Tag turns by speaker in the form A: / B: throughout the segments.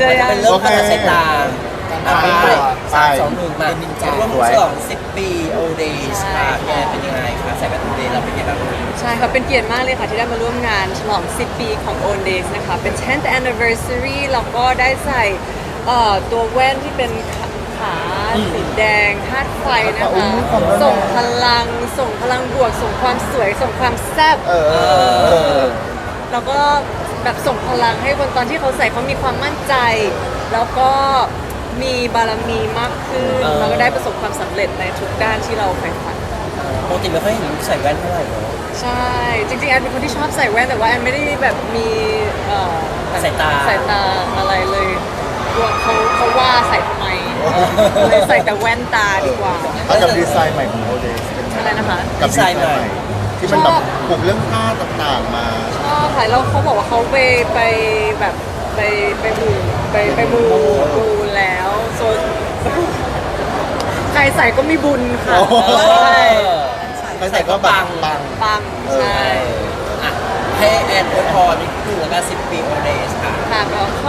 A: จะยัง
B: เป็นเรื่องการตัดสายตาไปสามสองหนึ่งมาร่วมฉลอง10 ปีโอเดย์ค่ะแกเป็นยังไงคะใส่แว่นโอเดย์เราเป็นยังไงบ้าง
A: ใช่ค่ะเป็นเกียรติมากเลยค่ะที่ได้มาร่วมงานฉลอง 10 ปีของ Own Days นะคะเป็น 10th anniversary แล้วก็ได้ใส่ตัวแว่นที่เป็นขาสีแดงธาตุไฟนะคะส่งพลังบวก ส่งความสวย ส่งความแซ่บแล้วก็แบบส่งพลังให้คนตอนที่เขาใส่เขามีความมั่นใจ แล้วก็มีบารมีมากขึ้นแล้วก็ได้ประสบความสำเร็จในทุกด้านที่เราใฝ่ฝัน
B: ปกติไม่ค่อยเห็นใส่แว่นเท่าไหร่เนาะ
A: ใช่ จริงๆแอนเป็นคนที่ชอบใส่แว่นแต่ว่าแอนไม่ได้แบบมี
B: สายตา
A: อะไรเลยกลัวเขาว่าใส่ทำไมเลยใส่แต่แว่นตาดีกว่า
C: แล้วกับดีไซน์ใหม่ของโอเดสเป็นไง
A: อะไรนะคะ
C: กับดีไซน์ใหม่ที่มันแบบปลุกเรื่องผ้าต่างๆมา
A: ชอบค่ะแล้วเขาบอกว่าเขาไปแบบไปมูแล้วโซนใครใส่ก็มีบุญค่ะใช่
C: ใครใส่ก็ปัง
A: ปังใช่
B: อ่ะให้แอนอวยพรนิดนึงแล้วก็10 ปีโอเดย์ค่ะ
A: ค่ะแล้วก็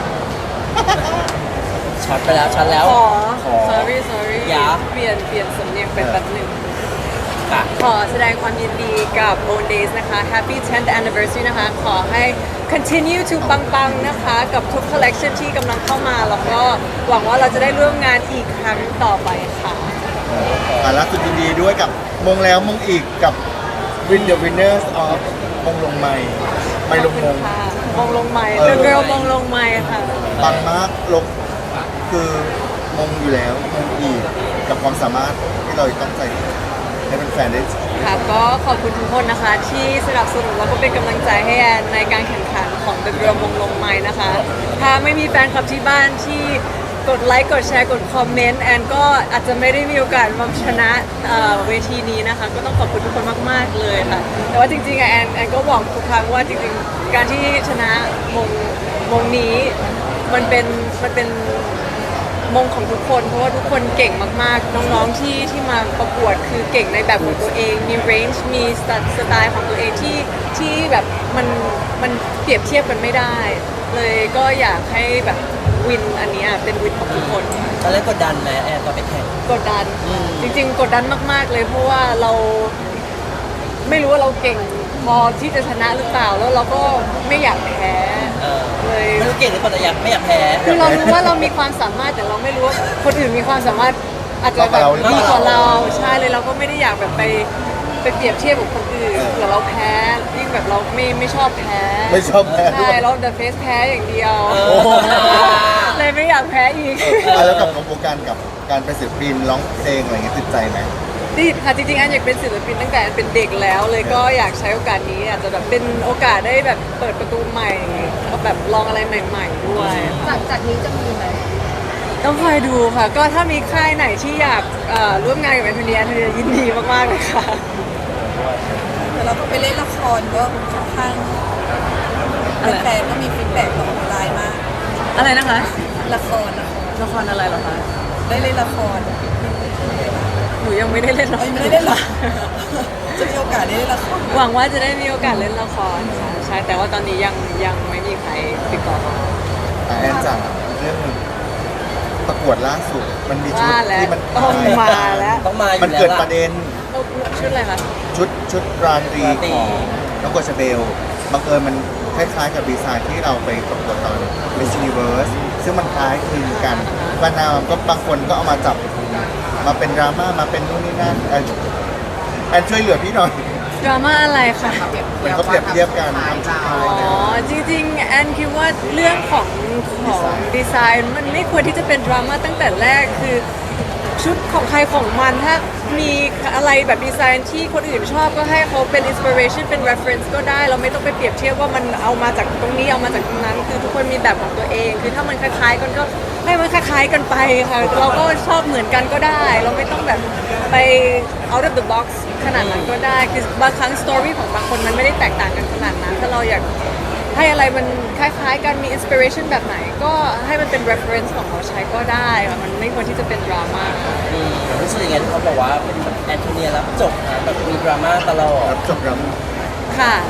B: ช็อตไปแล้วช็อตแล้ว
A: sorry
B: อย่า
A: เปลี่ยนสำเนียงเป็นแบบหนึ่ง
B: ค่ะ
A: ขอแสดงความยินดีกับ Own Days นะคะ Happy 10th Anniversary นะคะ ขอให้ continue to ปังๆ นะคะ กับทุก collection ที่กำลังเข้ามา แล้วก็หวังว่าเราจะได้ร่วมงานอีกครั้งต่อไปค่ะ
C: ล่าสุดยินดีด้วยกับมงแล้วมงอีกกับ Win the Winners of มงลงไม่ลงมง
A: ค่ะมงลงไม้ The Girl มงลงไม้ค่ะ
C: ปังมากลงคือมงอยู่แล้วมงอีกกับความสามารถที่เราต้องใส่ให้เป็นแฟนๆได้
A: ค่ะก็ขอบคุณทุกคนนะคะที่สนับสนุนแล้วก็เป็นกำลังใจให้แอนในการแข่งขันของ The Girl มงลงไม้นะคะ ถ้าไม่มีแฟนคลับที่บ้านที่กดไลค์กดแชร์กดคอมเมนต์แอนก็อาจจะไม่ได้มีโอกาสมาชนะเวทีนี้นะคะ ก็ต้องขอบคุณทุกคนมากๆเลยค่ะ แต่ว่าจริงๆอะแอนก็บอกทุกครั้งว่าจริงๆการที่ชนะมงนี้มันเป็นมงของทุกคนเพราะว่าทุกคนเก่งมากๆน้องๆที่มาประกวดคือเก่งในแบบของตัวเองมีเรนจ์มีสไตล์ของตัวเองที่แบบมันเปรียบเทียบกันไม่ได้ เลยก็อยากให้แบบวินอันนี้เป็นวินของทุกคนค่ะ
B: ตอนแรกกดดันไหมแอนตอนไปแข่ง
A: กดดันจริงๆกดดันมากๆเลยเพราะว่าเราไม่รู้ว่าเราเก่งพอที่จะชนะหรือเปล่าแล้วเราก็ไม่อยากแพ้เลย
B: ไม่รู้เก่งหรือเปล่าแต่ไม่อยากแพ้
A: คือเรารู้ว่าเรามีความสามารถแต่เราไม่รู้ว่าคนอื่นมีความสามารถอาจจะแบบดีกว่าเราใช่เลยเราก็ไม่ได้อยากแบบไปเปรียบเทียบกับคนอื่นเผื่อเราแพ้ยิ่งแบบเราไม่ชอบแพ้
C: ไม่ชอบแพ้ด้
A: ใช่
C: วย
A: เรา The Face แพ้อย่างเดียว
C: โอ้โห
A: เลยไม่อยากแพ้อีก
C: แล้วกับของโครงการกับการเป็นศิลปินร้องเพลงอะไรเงี้ยติดใจไหม
A: ดีค่ะจริงๆอันอยากเป็นศิลปินตั้งแต่อันเป็นเด็กแล้วเลยก็อยากใช้โอกาสนี้อาจจะแบบเป็นโอกาสได้แบบเปิดประตูใหม่ก็แบบลองอะไรใหม่ ๆ ด้วย
D: หลังจากนี้จะมีไหม
A: ต้องคอยดูค่ะ ก็ถ้ามีค่ายไหนที่อยากร่วมงานกับแอนโทเนียยินดีมากๆเลยค่ะ
D: แต่เราก็ไปเล่นละครก็ค่อนข้าง
A: อะไร
D: แฟนๆก็มีฟีดแบ็กออนไลน์มาก
A: อะไรนะคะ
D: ละคร
A: ละครอะไรเหรอคะ
D: ได้เล่นละคร
A: หนูยังไม่ได้เล่นละคร
D: ไม่ได้เล่นหรอ จะมีโอกาสได้เล่นละคร
A: หวังว่าจะได้มีโอกาสเล่นละครค่ะใช่แต่ว่าตอนนี้ยังไม่มีใครติดต่อมา
C: แอนจังเรื่องหนึ่งประกวดล่าสุดมันมีชุด
A: ว่าแล้ว
C: ที่มัน
A: ต้องมาแล้ว
B: ต้องมาอยู่
C: มัน
B: แล้ว
C: เกิดประเด็น
A: ชุดอะไรคะ
C: ชุดราตรีของน้องกฎชเบลบังเอิญมันคล้ายๆกับดีไซน์ที่เราไปประกวดตอน Miss Universe ซึ่งมันคล้ายคลึงกันบางนาวก็บางคนก็เอามาจับมาเป็นดราม่ามาเป็นนู่นนี่นั่นแอนช่วยเหลือพี่หน่อย
A: ดราม่าอะไรคะ
C: เหมือนเขาเปรียบเทียบกันทำชุดไทย
A: อ๋อจริงๆแอนคิดว่าเรื่องของดีไซน์มันไม่ควรที่จะเป็นดราม่าตั้งแต่แรกคือชุดของใครของมันถ้ามีอะไรแบบดีไซน์ที่คนอื่นชอบก็ให้เขาเป็นอินสปิเรชันเป็น reference ก็ได้เราไม่ต้องไปเปรียบเทียบว่ามันเอามาจากตรงนี้เอามาจากตรงนั้น คือทุกคนมีแบบของตัวเอง คือถ้ามันคล้ายๆกันก็ให้มันคล้ายๆกันไปค่ะเราก็ชอบเหมือนกันก็ได้ เราไม่ต้องแบบไป out of the box ขนาดนั้นก็ได้คือบางครั้งสตอรี่ของบางคนมันไม่ได้แตกต่างกันขนาดนั้นถ้าเราอยากให้อะไรมันคล้ายๆกันมีอินสปิเรชันแบบไหนก็ให้มันเป็น reference ของเราใช้ก็ได้ค่ะมันไม่ควรที่จะเป็นดราม่า
B: รู้สึกยังไงที่เขาบอกว่าเป็นแบบแอนโทเนียรับจบนะแบบมีดราม่าตลอด
C: รับจบรับ
A: ค่ะ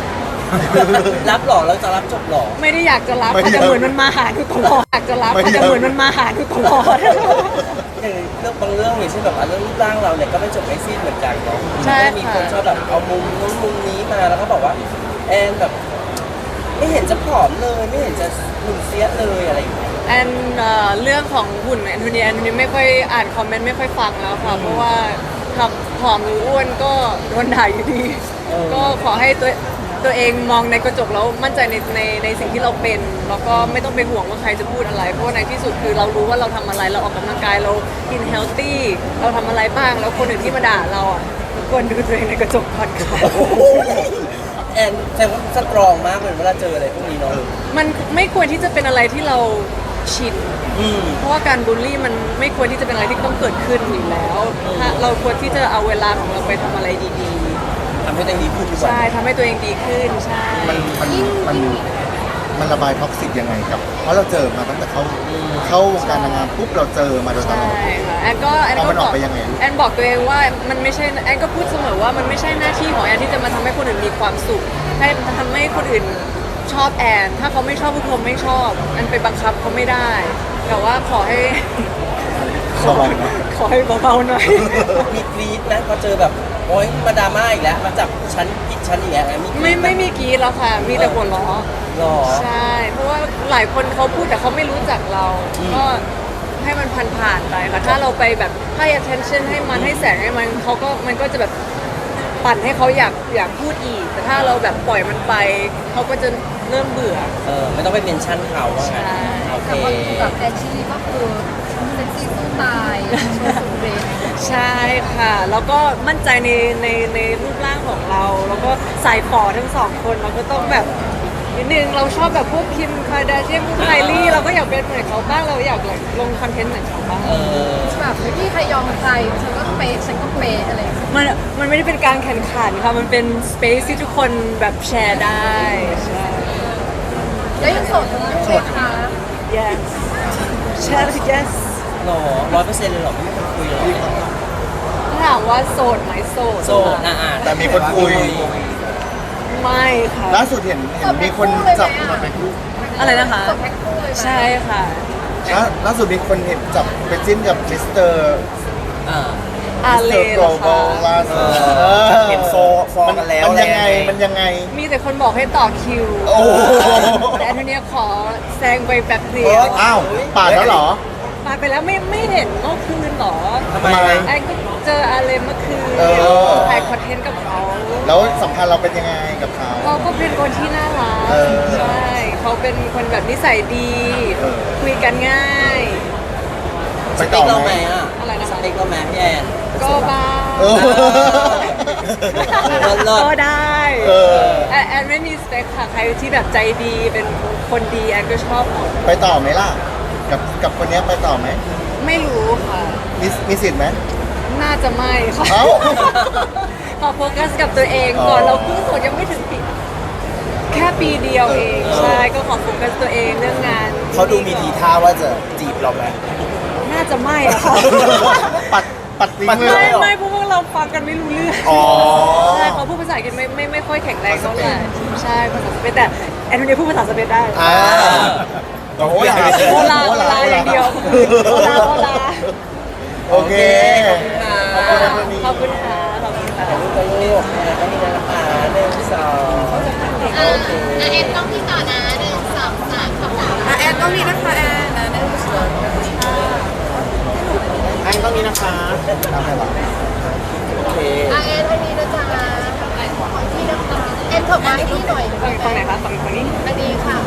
B: รับหรอเราจะรับจบหรอ
A: ไม่ได้อยากจะรับ
C: ไม่
A: ค่ะ
C: อยาก
A: แต่เหมือนมันมาหาหนูตลอดอยากจะรับ
C: ไม่
A: ค่ะ
C: อยาก
A: แต่เหมือนมันมาหาหนูตลอด
B: อย่างเรื่องบางเรื่องอย่างเช่นแบบเรื่องรูปร่างเราเนี่ยก็ไม่จบไม่สิ้นเหมือนกันเนาะ
A: ใช่
B: ก็มีคนชอบแบบเอามุมนู้นมุมนี้มาแล้วก็บอกว่าแอนแบบ ไม่เห็นจะผอมเลยไม่เห็นจะหุ่นเสียเลยอะไรอย่างเงี้ย
A: แอนเรื่องของหุ่นแอนโทเนียไม่ค่อยอ่านคอมเมนต์ไม่ค่อยฟังแล้วค่ะ เพราะว่าทำผอมหรืออ้วนก็โดนด่าอยู่ดี ก็ขอให้ตัวเองมองในกระจกแล้วมั่นใจในสิ่งที่เราเป็น แล้วก็ไม่ต้องไปห่วงว่าใครจะพูดอะไร เพราะว่าในที่สุดคือเรารู้ว่าเราทำอะไรเราออกกำลังกายเรากินเฮลตี้เราทำอะไรบ้างแล้วคนอื่นที่มาด่าเราอ่ะควรดูตัวเองในกระจกก่อนค่ะ
B: แอนแสดงว่าสตรองมากเลยเวลาเจออะไรพวกนี้เนาะ
A: มันไม่ควรที่จะเป็นอะไรที่เราชิน
B: อืม
A: เพราะว่าการบูลลี่มันไม่ควรที่จะเป็นอะไรที่ต้องเกิดขึ้นอยู่แล้วถ้าเราควรที่จะเอาเวลาของเราไปทำอะไรดี
B: ทำให้ตัวเองดีขึ้นดี
A: ๆ
B: กว่า
A: ใช่ทำให้ตัวเองดีขึ้นใช่
C: มันระบายท็อกซิกยังไงกับ เพราะเราเจอมาตั้งแต่เข้าวงการนางงามปุ๊บเราเจอมาโดยตล
A: ใช่
C: อด
A: ค่ะแอนก็
C: เอามันออกไปยังไง
A: แอนบอกตัวเองว่ามันไม่ใช่แอนก็พูดเสมอว่ามันไม่ใช่หน้าที่ของแอนที่จะมาทำให้คนอื่นมีความสุขให้ทำให้คนอื่นชอบแอนถ้าเขาไม่ชอบพวกเขาไม่ชอบแอนไปบังคับเขาไม่ได้ แต่ว่าขอให้ ขอให้เบาๆหน่อย
B: มีกรี๊ดนะพอเจอแบบโอ๊ยมาดราม่าอีกแล้วมาจับชั้นผิดชั้นอีกแล้วมีกรี๊ด
A: ไม่มีกรีดแล้วค่ะ มีแต่หัวเราะ
B: หรอ
A: ใช่ เพราะว่าหลายคนเขาพูดแต่เขาไม่รู้จักเรา ก็ให้มันผ่านๆไปค่ะ ถ้าเราไปแบบให้ attention ให้มันให้แสงให้มันมันก็จะแบบปั่นให้เขาอยากพูดอีก แต่ถ้าเราแบบปล่อยมันไป เขาก็จะเริ่มเบื่อ
B: ไม่ต้องไปเมนชั่นเขาว่างั้น
A: ใช่
B: โอเค
D: แต่ว่าแบบแอนชิลีก็คือเซ็กซี่สู้ตายโชว์สุดเรน
A: ใช่ค่ะ แล้วก็มั่นใจในรูปร่างของเรา แล้วก็ใส่ฝอทั้งสองคนเราก็ต้องแบบนิดนึงเราชอบแบบพวกคิมคาร์ดาเชียนพวกไคลี่เราก็อยากเป็นเหมือนเขาบ้างเราอยากลงคอนเทนต์เหมือนเขาบ้าง
D: แบบไม่มีใครยอมใครฉันก็เป๊ะฉันก็เป๊ะอะไรอย่างเงี้ย
A: มันไม่ได้เป็นการแข่งขันค่ะ มันเป็นสเปซที่ทุกคนแบบแชร์ได้ใช่
D: แล้วยังโสดทั้งคู่ไหมคะ
A: yes แชร์ yes
B: หรอ100%เลยหรอไม่มีคนคุยหรอ
A: ถ้าถามว่าโสดไหมโสด
B: โสด
C: แต่มีคนคุย
A: ไม่ค่ะ
C: ล่าสุดเห็นมีคนจับ
A: อะไรนะคะ
D: โสดแพ็คคู่เลยไหม
A: ใช่ค่ะ
C: ล่าสุดมีคนเห็นจับไปจิ้นกับมิสเตอร์
A: อาเล
C: โก
A: เห
C: ล
A: รอบ
C: อ
A: คะ
C: ลล่าสุด
B: เห็นฟอกันแล้ว
C: มันยังไงมันยังไง
A: มีแต่คนบอกให้ต่อคิว
C: โอ้โห
A: แต่แอนโทเนียขอแซงไปแป๊บเดียว
C: อ้าวปาดแล้วเหรอ
A: มาไปแล้วไม่เห็นเมื่อคืนเหรอ
B: ทำไม
A: แอนก็เจออาเลเมื่อคืน
C: เออ
A: ถ่ายคอนเทนต์กับเขา
C: แล้วสัมพันธ์เราเป็นยังไงกับเขา
A: เขาก็เป็นคนที่น่ารัก
C: เออ
A: ใช่เขาเป็นคนแบบนิสัยดี
C: เออ
A: คุยกันง่าย
C: ไป
B: สเต็
C: ต่
B: ก
C: อ
B: เรา
C: ไห
B: ไห
C: ม
B: มอ่ะ
A: อะไรนะคะ
B: สเต็กเราไหมพี่แอน
A: ก็บ้าง
C: เออ
B: เลิศ
A: ก็ได้
C: เออ
A: แอนไม่มีสเปคค่ะใครที่แบบใจดีเป็นคนดีแอนก็ชอบหมด
C: ไปต่อไหมล่ะ กับคนเนี้ยไปต่อไหม
A: ไม่รู้ค่ะ
C: มีสิทธิ์ไหม
A: น่าจะไม่ค่ะ
C: เอ้า
A: ขอโฟกัสกับตัวเองก่อน
C: อ๋อ
A: เราเพิ่งโสดยังไม่ถึงปีแค่ปีเดียวเอง ใช่ก็ขอโฟกัสตัวเองเรื่องงาน
B: เขาดูมีทีท่าว่าจะจีบเราไหม
A: น่าจะไม่อะค่ะ
C: ปัดทิ้งเลย
A: ไม่
C: เหรอ
A: ไม่เพราะว่าเราฟังกันไม่รู้เรื่อง
C: อ๋อ
A: ใช่เขาพูดภาษาอังกฤษไม่ค่อยแข็งแรงเท่าไหร่ใช่ภาษาสเปนแต่แอนโทเนียพูดภาษาสเปนได้
C: อ่าโอ้ย
A: โอลาอย่างเดียวโอลา
C: โอเค
B: ขอบคุณค่ะ
C: ขอบคุณนะ
A: ขอบคุณค่ะ
B: ลูกกับลูกก็มีนะคะ1 2
E: เอ็นต้องที่ต่อนะ1 2 3คำถาม
D: แอนต้องมีนะคะแอนนะได้รู้สึก
C: อันต้องนี้นะคะตามไปหรอ
B: โอเค
E: เอ็นวันนี้นะจ๊ะของที่นะคะเอ็นถกมาให้พี่หน่อย
A: ฝั่งไหนคะฝั่งนี้
E: อันนี้ค่ะ